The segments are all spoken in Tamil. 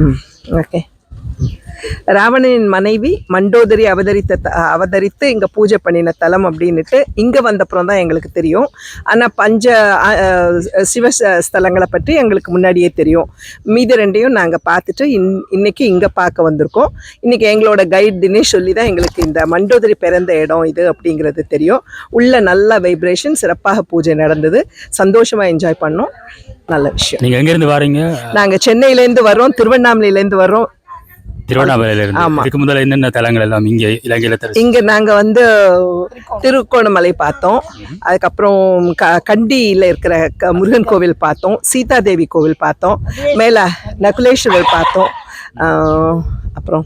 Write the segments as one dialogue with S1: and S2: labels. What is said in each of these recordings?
S1: ஓகே. ராவணனின் மனைவி மண்டோதரி அவதரித்து இங்கே பூஜை பண்ணின தலம் அப்படின்ட்டு இங்கே வந்தப்புறம் தான் எங்களுக்கு தெரியும். ஆனால் சிவ ஸ்தலங்களை பற்றி எங்களுக்கு முன்னாடியே தெரியும். மீதி ரெண்டையும் நாங்கள் பார்த்துட்டு இன்னைக்கு இங்கே பார்க்க வந்திருக்கோம். இன்றைக்கி எங்களோட கைட் தினேஷ் சொல்லி தான் எங்களுக்கு இந்த மண்டோதரி பிறந்த இடம் இது அப்படிங்கிறது தெரியும். உள்ள நல்ல வைப்ரேஷன், சிறப்பாக பூஜை நடந்தது, சந்தோஷமாக என்ஜாய் பண்ணோம். நல்ல விஷயம்.
S2: நீங்கள் எங்கேருந்து வரீங்க?
S1: நாங்கள் சென்னையிலேருந்து வர்றோம், திருவண்ணாமலையிலேருந்து வர்றோம்.
S2: இதுக்கு முதல்ல என்னென்ன தலங்கள் எல்லாம் இங்கே இலங்கையில
S1: இங்க நாங்க வந்து திருக்கோணமலை பார்த்தோம். அதுக்கப்புறம் கண்டியில இருக்கிற முருகன் கோவில் பார்த்தோம், சீதாதேவி கோவில் பார்த்தோம், மேல நகுலேஸ்வரர் பார்த்தோம். அப்புறம்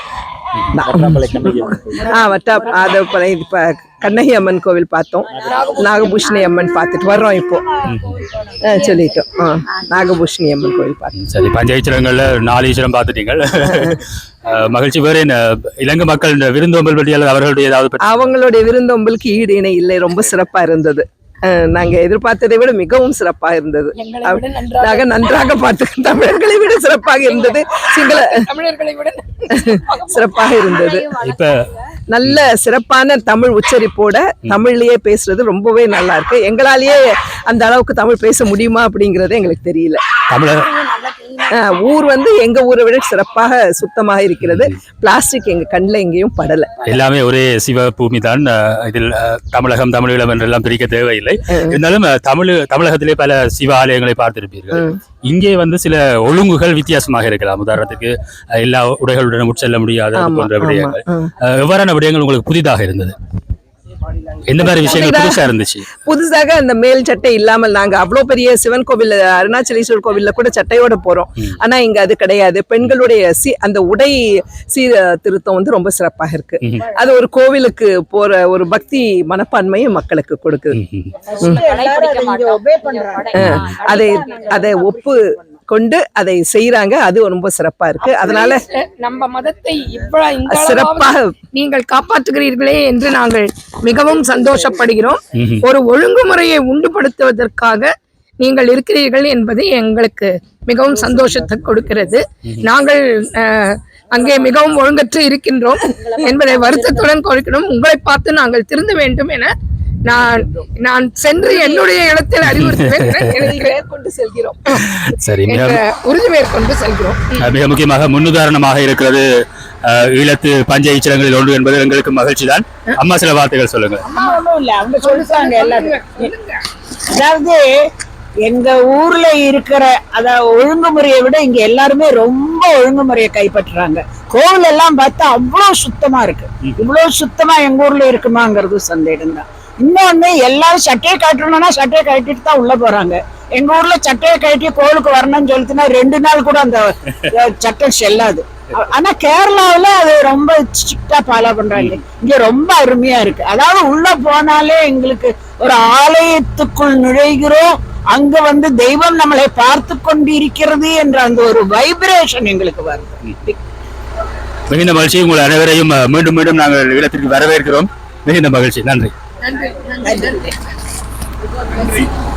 S1: கண்ணகி அம்மன் கோவில் பார்த்தோம், நாகபூஷணி அம்மன் பார்த்துட்டு வர்றோம். இப்போ சொல்லிட்டோம், நாகபூஷணி அம்மன் கோவில் பார்த்தோம்.
S2: சரி, பஞ்சாயத்து 4 ஈஸ்வரம் பார்த்துட்டீங்க. மகிழ்ச்சி. வேறு என்ன இலங்கை மக்கள் விருந்தோம்பல் பற்றியால்
S1: அவங்களுடைய விருந்தோம்பலுக்கு ஈடு இணை இல்லை, ரொம்ப சிறப்பா இருந்தது. நாங்க எதிர்பார்த்ததை விட மிகவும் சிறப்பாக இருந்தது. நாங்க நன்றாக பார்த்து தமிழர்களை விட சிறப்பாக இருந்தது, சிங்கள தமிழர்களை விட சிறப்பாக இருந்தது. இப்ப நல்ல சிறப்பான தமிழ் உச்சரிப்போட தமிழ்லயே பேசுறது ரொம்பவே நல்லா இருக்கு. எங்களாலேயே அந்த அளவுக்கு தமிழ் பேச முடியுமா அப்படிங்கறது எங்களுக்கு தெரியல. ஊர் வந்து எங்க ஊரை விட சிறப்பாக சுத்தமாக இருக்கிறது. பிளாஸ்டிக் எங்க கண்ணில் எங்கேயும் படல. எல்லாமே
S2: ஒரே சிவ பூமி தான். இதில் தமிழகம் தமிழீழம் என்றெல்லாம் பிரிக்க தேவையில்லை. இருந்தாலும் தமிழகத்திலே பல சிவ ஆலயங்களை பார்த்திருப்பீர்கள். இங்கே வந்து சில ஒழுங்குகள் வித்தியாசமாக இருக்கலாம். உதாரணத்துக்கு எல்லா உடைகளுடன் உட்செல்ல முடியாத போன்ற விடயங்கள். எவ்வாறான விடயங்கள் உங்களுக்கு புதிதாக இருந்தது? எந்த மாதிரி விஷயங்கள் புதுசா இருந்துச்சு?
S1: புதுசாக அந்த மேல் சட்டை இல்லாமல் நாங்க அவ்வளவு பெரிய சிவன் கோவில், அருணாச்சலேஸ்வரர் கோவில்ல கூட சட்டையோட போறோம். ஆனா இங்க அது கிடையாது. பெண்களுடைய அந்த உடை திருத்தம் வந்து ரொம்ப சிறப்பாக இருக்கு. அது ஒரு கோவிலுக்கு போற ஒரு பக்தி மனப்பான்மையை மக்களுக்கு கொடுக்குது. அதை ஒப்பு கொண்டு அதை செய்யறாங்க. அது ரொம்ப சிறப்பா இருக்கு. அதனால
S3: நம்ம மதத்தை இவ்வளவு சிறப்பாக நீங்கள் காப்பாற்றுகிறீர்களே என்று நாங்கள் மிகவும் சந்தோஷப்படுகிறோம். ஒரு ஒழுங்குமுறையை உண்டுபடுத்துவதற்காக நீங்கள் இருக்கிறீர்கள் என்பது எங்களுக்கு மிகவும் சந்தோஷத்தை கொடுக்கிறது. நாங்கள் அங்கே மிகவும் ஒழுங்கற்று இருக்கின்றோம் என்பதை வருத்தத்துடன் கொடுக்கிறோம். உங்களை பார்த்து நாங்கள் திருந்த வேண்டும் என நான் சென்று என்னுடைய இடத்தில் அறிவுறுத்துவேன் கொண்டு செல்கிறோம்.
S2: சரி,
S1: உறுதி மேற்கொண்டு செல்கிறோம்.
S2: மிக முக்கியமாக முன்னுதாரணமாக இருக்கிறது ஈழத்து பஞ்ச ஈச்சரங்களில் ஒன்று என்பது எங்களுக்கு மகிழ்ச்சி தான். அம்மா சில வார்த்தைகள் சொல்லுங்க.
S4: அவங்க சொல்லிட்டாங்க எல்லாரும். அதாவது எங்க ஊர்ல இருக்கிற ஒழுங்குமுறையை விட இங்க எல்லாருமே ரொம்ப ஒழுங்குமுறையை கைப்பற்றுறாங்க. கோவில் எல்லாம் பார்த்தா அவ்வளவு சுத்தமா இருக்கு. இவ்வளவு சுத்தமா எங்க ஊர்ல இருக்குமாங்கிறது சந்தேகம் தான். இன்னொன்னு, எல்லாரும் சட்டையை கட்டணும்னா சட்டையை கட்டிட்டு தான் உள்ள போறாங்க. எங்க ஊர்ல சட்டையை கட்டி கோவிலுக்கு வரணும்னு சொல்லிட்டுனா 2 நாள் கூட அந்த சட்டம் செல்லாது. ஆனா கேரளாவில அது ரொம்ப ஸ்ட்ரிக்டா ஃபாலோ பண்றாங்க. இங்க ரொம்ப அருமையா இருக்கு. அதாவது உள்ள போனாலே எங்களுக்கு ஒரு ஆலயத்துக்குள் நுழைகிறோம், அங்க வந்து தெய்வம் நம்மளை பார்த்து கொண்டு இருக்கிறது என்ற அந்த ஒரு வைப்ரேஷன் எங்களுக்கு வருது.
S2: மிகுந்த மகிழ்ச்சி. உங்கள் அனைவரையும் மீண்டும் மீண்டும் நாங்கள் இடத்திற்கு வரவேற்கிறோம். மிகுந்த மகிழ்ச்சி. நன்றி.
S3: நன்றி.